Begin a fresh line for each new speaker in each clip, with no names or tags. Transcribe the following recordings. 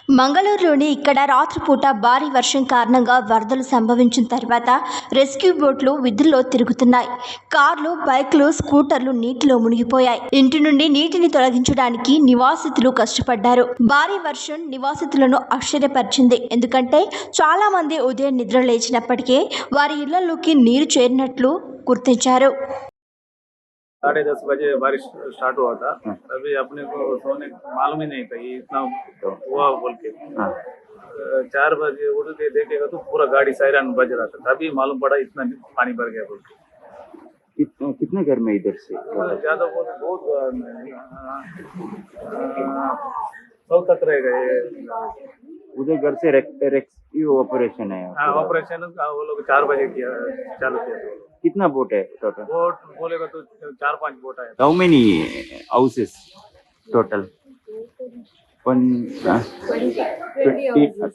మంగళూరులోని ఇక్కడ రాత్రిపూట భారీ వర్షం కారణంగా వరదలు సంభవించిన తర్వాత రెస్క్యూ బోట్లు విధుల్లో తిరుగుతున్నాయి. కార్లు, బైక్లు, స్కూటర్లు నీటిలో మునిగిపోయాయి. ఇంటి నుండి నీటిని తొలగించడానికి నివాసితులు కష్టపడ్డారు. భారీ వర్షం నివాసితులను ఆశ్చర్యపరిచింది. ఎందుకంటే చాలా మంది ఉదయం నిద్ర లేచినప్పటికే వారి ఇళ్లలోకి నీరు చేరినట్లు గుర్తించారు.
10:30 बजे बारिश स्टार्ट हुआ था। तभी अपने को सोने मालूम ही नहीं था ये इतना हुआ बोल के। 4 बजे उठ के देखेगा तो पूरा गाड़ी सायरन बज रहा था, तभी मालूम पड़ा इतना पानी भर गया बोल के।
कितने घर में इधर से
ज्यादा बहुत 100 तक रह गए।
उधर घर से रेस्क्यू ऑपरेशन है।
हाँ, ऑपरेशन वो लोग 4 बजे किया चालू किया।
कितना बोट है टोटल?
बोट बोलेगा तो 4-5 बोट है।
How many houses total? 20 houses.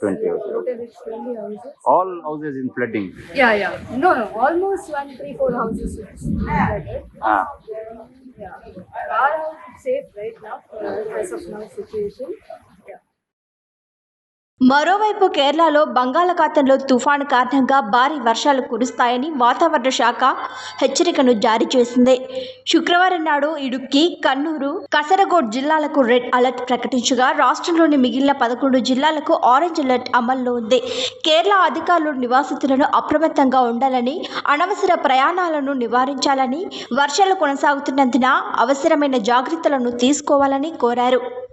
All houses in flooding?
Yeah. No, almost 1, 3, 4 houses flooded. Yeah. Our house is safe right now, as of now situation.
మరోవైపు కేరళలో బంగాళాఖాతంలో తుఫాను కారణంగా భారీ వర్షాలు కురుస్తాయని వాతావరణ శాఖ హెచ్చరికను జారీ చేసింది. శుక్రవారం నాడు ఇడుక్కి, కన్నూరు, కసరగోడ్ జిల్లాలకు రెడ్ అలర్ట్ ప్రకటించగా రాష్ట్రంలోని మిగిలిన 11 జిల్లాలకు ఆరెంజ్ అలర్ట్ అమల్లో ఉంది. కేరళ అధికారులు నివాసితులను అప్రమత్తంగా ఉండాలని, అనవసర ప్రయాణాలను నివారించాలని, వర్షాలు కొనసాగుతున్నందున అవసరమైన జాగ్రత్తలను తీసుకోవాలని కోరారు.